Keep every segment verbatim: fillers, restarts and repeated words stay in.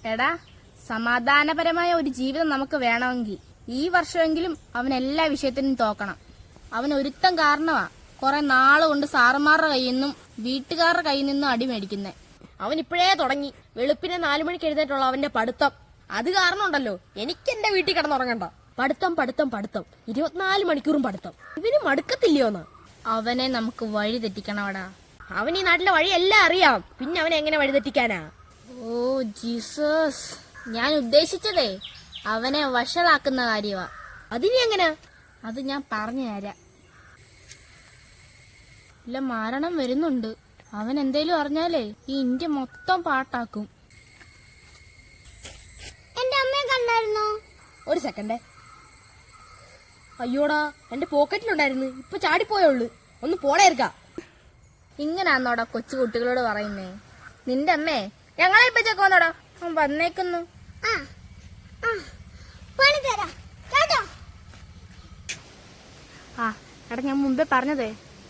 എടാ, സമാധാനപരമായ ഒരു ജീവിതം നമുക്ക് വേണമെങ്കിൽ ഈ വർഷമെങ്കിലും അവൻ എല്ലാ വിഷയത്തിനും തോക്കണം. അവൻ ഒരുത്തം കാരണമാ കുറെ നാള് കൊണ്ട് സാറുമാരുടെ കയ്യിൽ നിന്നും വീട്ടുകാരുടെ കയ്യിൽ നിന്നും അടി മേടിക്കുന്നേ. അവൻ ഇപ്പോഴേ തുടങ്ങി. വെളുപ്പിനെ നാലു മണിക്ക് എഴുന്നേറ്റുള്ള അവന്റെ പഠിത്തം. അത് കാരണം ഉണ്ടല്ലോ എനിക്ക് എന്റെ വീട്ടിൽ കിടന്നുറങ്ങണ്ട. പഠിത്തം പഠിത്തം പഠിത്തം ഇരുപത്തിനാല് മണിക്കൂറും പഠിത്തം. ഇവന് മടുക്കത്തില്ലയോന്ന്. അവനെ നമുക്ക് വഴി തെറ്റിക്കണവടാ. അവൻ ഈ നാട്ടിലെ വഴിയെല്ലാം അറിയാം, പിന്നെ അവനെ എങ്ങനെ വഴി തെറ്റിക്കാനാ? ഓ ജീസസ്, ഞാൻ ഉദ്ദേശിച്ചതേ അവനെ വഷളാക്കുന്ന കാര്യമാ. അതിനി എങ്ങനെ? അത് ഞാൻ പറഞ്ഞു തരാം. ഇല്ല, മരണം വരുന്നുണ്ട്. അവൻ എന്തേലും അറിഞ്ഞാലേ ഈ ഇന്ത്യ മൊത്തം പാട്ടാക്കും. എന്റെ അമ്മയെ കണ്ടായിരുന്നോ? ഒരു സെക്കൻഡേ. അയ്യോടാ, എന്റെ പോക്കറ്റിലുണ്ടായിരുന്നു. ഇപ്പൊ ചാടിപ്പോയുള്ളു. ഒന്ന് പോടേർക്ക. ഇങ്ങനാന്നോടാ കൊച്ചു കുട്ടികളോട് പറയുന്നേ? നിന്റെ അമ്മേ ഞങ്ങളെ ഇപ്പച്ചൊക്കെ വന്നോടാ. വന്നേക്കുന്നു. ആ ആ പണി തരാം കേട്ടോ. ആ എടാ, ഞാൻ മുമ്പേ പറഞ്ഞതേ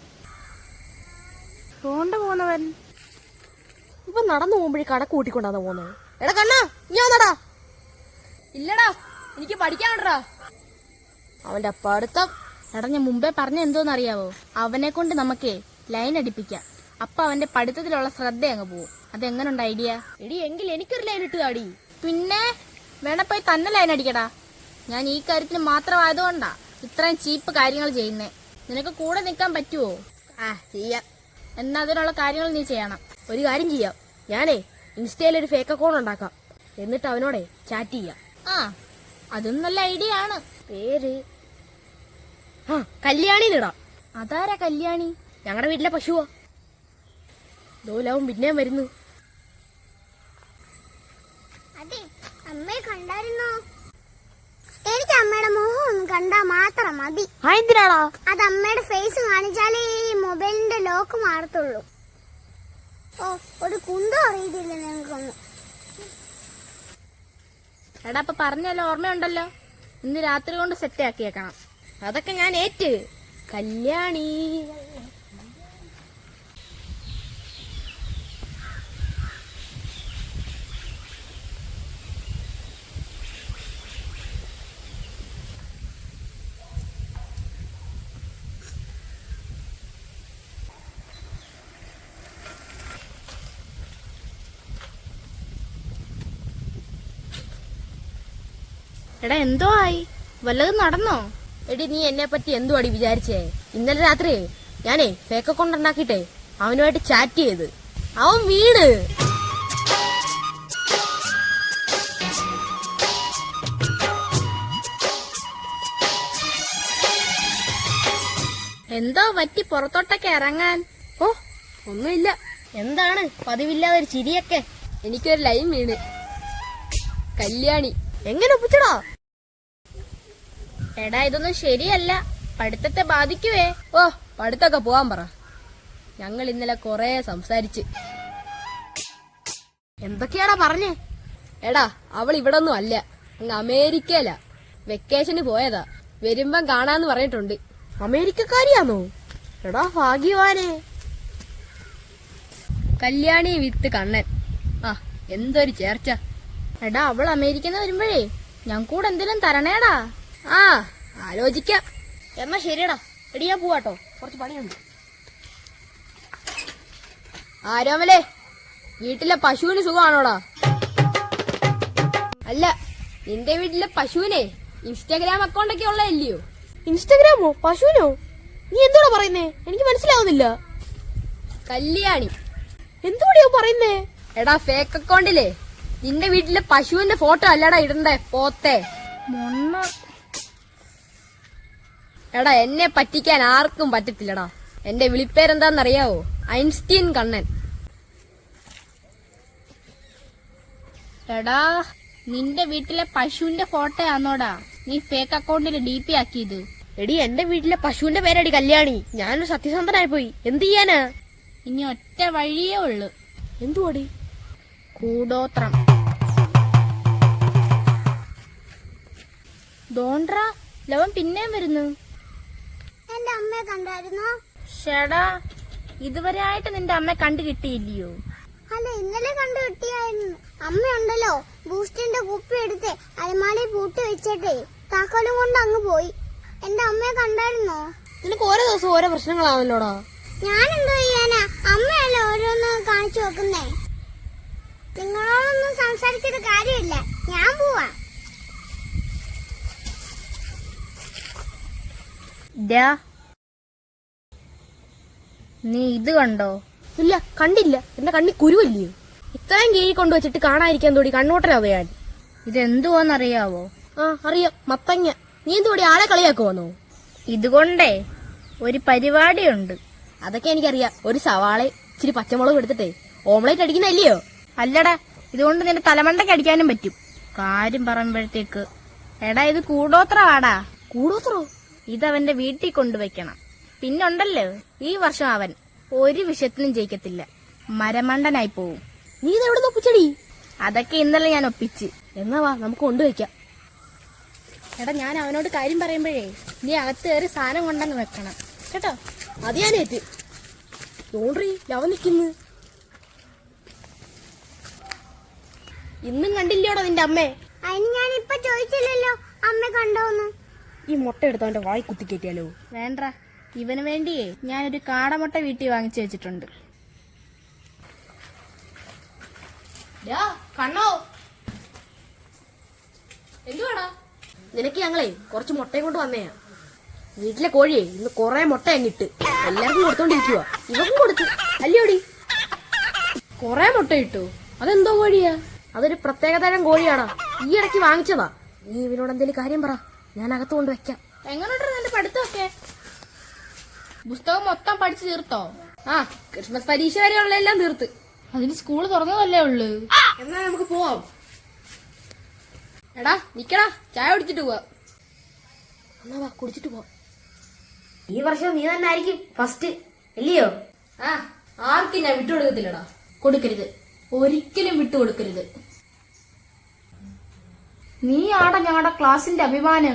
ോണ്ട പോന്നവൻ ഇപ്പൊ നടന്നു പോകുമ്പോഴേ കടക്ക് കൂട്ടിക്കൊണ്ടാന്ന് പോന്നെ. എടാ കണ്ണാ, ഞാൻ വന്നടാ. ഇല്ലടാ, എനിക്ക് പഠിക്കാനുണ്ടാ. അവന്റെ പഠിത്തം. എടാ, ഞാൻ മുമ്പേ പറഞ്ഞ എന്തോന്നറിയാവോ? അവനെ കൊണ്ട് നമുക്കേ ലൈൻ അടിപ്പിക്കാം. അപ്പൊ അവന്റെ പഠിത്തത്തിലുള്ള ശ്രദ്ധ അങ്ങ് പോവും. അതെങ്ങനുണ്ട് ഐഡിയ? എടി, എങ്കിൽ എനിക്കൊരു ലൈൻ ഇട്ട് താടി. പിന്നെ വേണ പോയി തന്നെ ലൈൻ അടിക്കടാ. ഞാൻ ഈ കാര്യത്തിന് മാത്രമായതുകൊണ്ടാ ഇത്രയും ചീപ്പ് കാര്യങ്ങൾ ചെയ്യുന്നേ. നിനക്ക് കൂടെ നിൽക്കാൻ പറ്റുവോ? ആ ചെയ്യാം. എന്നാ അതിനുള്ള കാര്യങ്ങൾ നീ ചെയ്യണം. ഒരു കാര്യം ചെയ്യാം, ഞാനേ ഇൻസ്റ്റയിൽ ഒരു ഫേക്ക് അക്കൗണ്ട് ഉണ്ടാക്കാം. എന്നിട്ട് അവനോടെ ചാറ്റ് ചെയ്യാം. ആ, അതും നല്ല ഐഡിയ ആണ്. പേര് ആ കല്യാണിന്നിടാം. അതാരാ കല്യാണി? ഞങ്ങളുടെ വീട്ടിലെ പശുവാ. ദോലാവും പിന്നെയും വരുന്നു. അതെ, അമ്മയെ കണ്ടായിരുന്നോ? എനിക്ക് അമ്മയുടെ മുഖം ഒന്ന് കണ്ടാ മാത്രം മതി. എന്തിനാടാ? അത് അമ്മയുടെ ഫേസ് കാണിച്ചാലേ ഈ മൊബൈലിന്റെ ലോക്ക് മാറത്തുള്ളൂ. ഓ, ഒരു കുന്തം അറിയത്തില്ല നിങ്ങൾക്കൊന്നും. എടാ, അപ്പൊ പറഞ്ഞല്ലോ ഓർമ്മയുണ്ടല്ലോ. ഇന്ന് രാത്രി കൊണ്ട് സെറ്റ് ആക്കിയേക്കണം. അതൊക്കെ ഞാൻ ഏറ്റ്. കല്യാണി എടാ, എന്തോ ആയി? വല്ലതും നടന്നോ? എടി, നീ എന്നെ പറ്റി എന്തു അടി വിചാരിച്ചേ? ഇന്നലെ രാത്രി ഞാനേ ഫേക്ക് അക്കൗണ്ട് ഉണ്ടാക്കിട്ടെ അവനുമായിട്ട് ചാറ്റ് ചെയ്ത് അവൻ വീണ്. എന്തോ പറ്റി പുറത്തോട്ടൊക്കെ ഇറങ്ങാൻ? ഓ, ഒന്നുമില്ല. എന്താണ് പതിവില്ലാതെ ഒരു ചിരിയൊക്കെ? എനിക്കൊരു ലൈൻ വീണ്. കല്യാണി എങ്ങനെ ഒപ്പിച്ചടാ? എടാ, ഇതൊന്നും ശരിയല്ല. പഠിത്തത്തെ ബാധിക്കുവേ. ഓ, പഠിത്തൊക്കെ പോവാൻ പറ. ഞങ്ങൾ ഇന്നലെ കൊറേ സംസാരിച്ച്. എന്തൊക്കെയാടാ പറഞ്ഞേ? എടാ, അവൾ ഇവിടെ ഒന്നും അല്ല, അങ്ങ് അമേരിക്കയിലാ. വെക്കേഷന് പോയതാ. വരുമ്പം കാണാന്ന് പറഞ്ഞിട്ടുണ്ട്. അമേരിക്കക്കാരിയാണോ? എടാ ഭാഗ്യവാനെ. കല്യാണി വിത്ത് കണ്ണൻ. ആ, എന്തൊരു ചേർച്ച. എടാ, അവൾ അമേരിക്കന്ന് വരുമ്പോഴേ ഞാൻ കൂടെ എന്തെങ്കിലും തരണേടാ. ആ, ആലോചിക്കാം. എന്നാ ശരിയടാ. എടി, ഞാൻ പോവാട്ടോ, കുറച്ച് പണിയുണ്ട്. ആരോമലേ, വീട്ടിലെ പശുവിന് സുഖമാണോടാ? അല്ല, നിന്റെ വീട്ടിലെ പശുവിനെ ഇൻസ്റ്റാഗ്രാം അക്കൗണ്ട് ഒക്കെ ഉള്ളതല്ലയോ? ഇൻസ്റ്റാഗ്രാമോ? പശുവിനോ? നീ എന്തോടാ പറയുന്നേ? എനിക്ക് മനസ്സിലാവുന്നില്ല. കല്യാണി എന്തുകൂടിയോ പറയുന്നേ? എടാ, ഫേക്ക് അക്കൗണ്ടിലെ നിന്റെ വീട്ടിലെ പശുവിന്റെ ഫോട്ടോ അല്ലടാ ഇടണ്ടേ, പോത്തെ മൊണ്ണ. എടാ, എന്നെ പറ്റിക്കാൻ ആർക്കും പറ്റത്തില്ലടാ. എന്റെ വിളിപ്പേരെന്താന്നറിയാവോ? ഐൻസ്റ്റീൻ കണ്ണൻ. എടാ, നിന്റെ വീട്ടിലെ പശുവിന്റെ ഫോട്ടോ ആന്നോടാ നീ ഫേക്ക് അക്കൗണ്ടിൽ ഡി പി ആക്കിയത്? എടി, എന്റെ വീട്ടിലെ പശുവിന്റെ പേരടി കല്യാണി. ഞാനൊരു സത്യസന്ധനായി പോയി. എന്ത് ചെയ്യാനാ? ഇനി ഒറ്റ വഴിയേ ഉള്ളു. എന്തുവാടി? കൂടോത്രം. ദോണ്ട്രാ, ലവൻ പിന്നെയും വരുന്നു. എന്റെ അമ്മയെ കണ്ടായിരുന്നോ? ഷെടാ, ഇതുവരെ ആയിട്ട് നിന്റെ അമ്മ കണ്ടു കിട്ടിയില്ലയോ? അല്ല, ഇന്നലെ കണ്ടു കിട്ടിയായിരുന്നു. അമ്മയുണ്ടല്ലോ ബൂസ്റ്റിന്റെ കുപ്പി എടുത്ത് അലമാരയിൽ പൂട്ടി വെച്ചിട്ടേ താക്കോലും കൊണ്ട് അങ്ങ് പോയി. എന്റെ അമ്മയെ കണ്ടായിരുന്നോ? നിനക്ക് ഓരോ ദിവസം ഓരോ പ്രശ്നങ്ങളാണല്ലോടാ. ഞാൻ എന്തോ ചെയ്യാനാ? അമ്മയല്ലേ ഓരോന്ന് കാണിച്ചു വെക്കുന്നേ. നിങ്ങളോടൊന്നും സംസാരിച്ചിട്ട് കാര്യമില്ല, ഞാൻ പോവാ. ദാ, നീ ഇത് കണ്ടോ? ഇല്ല, കണ്ടില്ല. എന്റെ കണ്ണി കുരുവല്ലയോ? ഇത്രയും കീഴി കൊണ്ടുവച്ചിട്ട് കാണാതിരിക്കാൻ തോടി കണ്ണോട്ടരാവോ ഞാൻ? ഇതെന്തുവാന്നറിയാവോ? ആ അറിയാം, മത്തങ്ങ. നീ എന്തോടി ആളെ കളിയാക്കുവാന്നോ? ഇതുകൊണ്ടേ ഒരു പരിപാടിയുണ്ട്. അതൊക്കെ എനിക്കറിയാം. ഒരു സവാള ഇച്ചിരി പച്ചമുളക് എടുത്തിട്ടേ ഓംലേറ്റ് അടിക്കുന്നല്ലയോ? അല്ലടാ, ഇതുകൊണ്ട് നിന്റെ തലമണ്ടയ്ക്ക് അടിക്കാനും പറ്റും. കാര്യം പറയുമ്പോഴത്തേക്ക് എടാ, ഇത് കൂടോത്രവാടാ. കൂടോത്രോ? ഇതവന്റെ വീട്ടിൽ കൊണ്ടുവയ്ക്കണം. പിന്നുണ്ടല്ലോ, ഈ വർഷം അവൻ ഒരു വിഷയത്തിനും ജയിക്കത്തില്ല, മരമണ്ടനായി പോവും. നീ ഇതെവിടെ നോപ്പിച്ചടി? അതൊക്കെ ഇന്നലെ ഞാൻ ഒപ്പിച്ച്. എന്നാ വാ, നമുക്ക് കൊണ്ടുവയ്ക്കാം. എടാ, ഞാൻ അവനോട് കാര്യം പറയുമ്പോഴേ നീ അകത്ത് കയറി സാധനം കൊണ്ടങ്ങ് വെക്കണം കേട്ടോ. അത് ഞാനേറ്റ്. തോണ്ടി ലവ നിക്കുന്നു. ഇന്നും കണ്ടില്ലോടാ നിന്റെ അമ്മേ? അതിന് ഞാൻ ഇപ്പൊ ചോദിച്ചില്ലല്ലോ അമ്മ കണ്ടോന്ന്. ഈ മുട്ട എടുത്ത് അവന്റെ വായി കുത്തിക്കേറ്റിയാലോ? വേണ്ട, ഇവന് വേണ്ടിയേ ഞാനൊരു കാടമുട്ട വീട്ടിൽ വാങ്ങിച്ചു വെച്ചിട്ടുണ്ട്. കണ്ണോ, എന്തുവാടാ? നിനക്ക് ഞങ്ങളെ കുറച്ച് മുട്ടയും കൊണ്ട് വന്നേയാ. വീട്ടിലെ കോഴിയെ ഇന്ന് കൊറേ മുട്ട അങ്ങിട്ട് എല്ലാവർക്കും കൊടുത്തോണ്ടിരിക്കുക. ഇവക്കും കൊടുത്തു അല്ലയോടി? കൊറേ മുട്ട ഇട്ടു. അതെന്തോ കോഴിയാ? അതൊരു പ്രത്യേകതരം കോഴിയാടാ. ഈ ഇടയ്ക്ക് വാങ്ങിച്ചതാ. നീ ഇവനോട് എന്തേലും കാര്യം പറ, ഞാൻ അകത്ത് കൊണ്ട് വെക്കാം. എങ്ങനെയുണ്ട് നിന്റെ പഠിത്തമൊക്കെ? പുസ്തകം മൊത്തം പഠിച്ചു തീർത്തോ? ആ, ക്രിസ്മസ് പരീക്ഷ വരെയുള്ളതെല്ലാം തീർത്ത്. അതിന് സ്കൂള് തുറന്നതല്ലേ ഉള്ളു. എന്നാ നമുക്ക് പോവാം. എടാ നിക്കടാ, ചായ കുടിച്ചിട്ട് പോവാ. എന്നാ വാ, കുടിച്ചിട്ട് പോവാം. ഈ വർഷം നീ തന്നെ ആയിരിക്കും ഫസ്റ്റ് അല്ലയോ? ആ, ആർക്കും ഞാൻ വിട്ടുകൊടുക്കത്തില്ലടാ. കൊടുക്കരുത്, ഒരിക്കലും വിട്ടുകൊടുക്കരുത്. നീ ആടാ ഞങ്ങളുടെ ക്ലാസിന്റെ അഭിമാനം.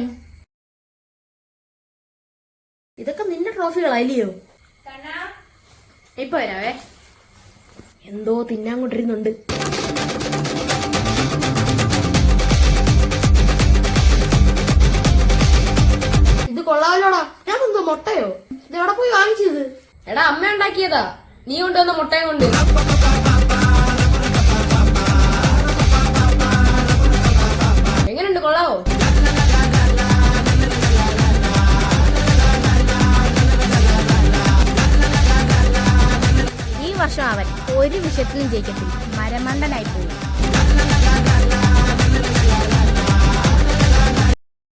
ഇതൊക്കെ നിന്റെ ട്രോഫികളാ അല്ലയോ? ഇപ്പൊ വരാവേ. എന്തോ തിന്നാൻ കൊണ്ടിരുന്നുണ്ട്. ഇത് കൊള്ളാമല്ലോടാ. ഞാൻ എന്തോ മുട്ടയോ? ഇത് എവിടെ പോയി വാങ്ങിച്ചത്? എടാ, അമ്മ ഉണ്ടാക്കിയതാ. നീ കൊണ്ടുവന്ന മുട്ടയും കൊണ്ട്. എങ്ങനെയുണ്ട്, കൊള്ളാവോ? ഈ വർഷം അവൻ ഒരു വിഷയത്തിലും ജയിക്കത്തില്ല, മരമണ്ടനായി പോകും.